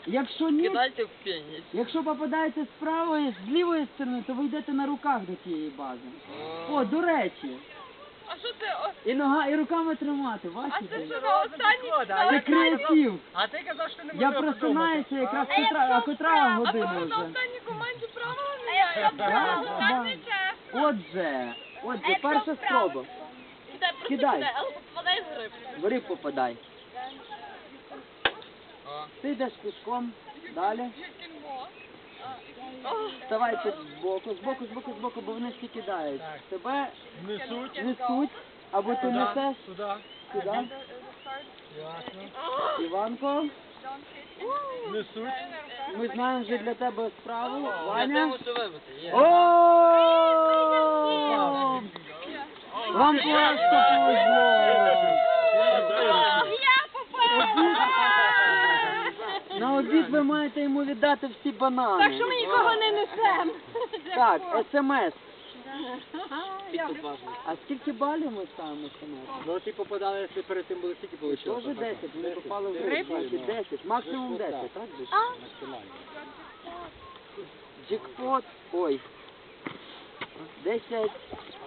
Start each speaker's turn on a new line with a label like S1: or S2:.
S1: Якщо ні,
S2: Кидайте в пеніс.
S1: якщо попадаєте з правої, з лівої сторони, то ви йдете на руках до тієї бази. О, до речі.
S3: А що це?
S1: І нога, і руками тримати,
S3: А
S1: бачите?
S3: це що на останній?
S1: Це креатив.
S4: А ти казав, що не
S1: Я
S4: можна
S1: просинаюся якраз котра година
S3: На
S1: вже.
S3: останній команді правила міняє.
S1: Да, да. Отже, перша спроба. Кидай.
S3: Але попадай в гриб.
S1: В риб попадай. Ти йдеш пішком, далі. Вставайте збоку, бо вони всі кидають. Тебе несуть, або ти несеш
S4: Туди.
S1: сюди.
S4: Ясно.
S1: Іванко,
S4: Несуть.
S1: ми знаємо вже для тебе справу.
S2: Я те
S1: Ваня.
S2: мушу вибити. Є.
S1: О! Вам просто повезло.
S3: Я попала!
S1: На обід ви маєте йому віддати всі банани.
S3: Так що ми нікого не несемо.
S1: Так, смс.
S2: Підкуп
S1: А скільки балів ми ставимо смс?
S4: Ну, ті попадали, якщо перед тим були стільки вийшло.
S1: Тоже 10, вони попали в риб, значить 10, максимум 10, так? Джекпот, ой, 10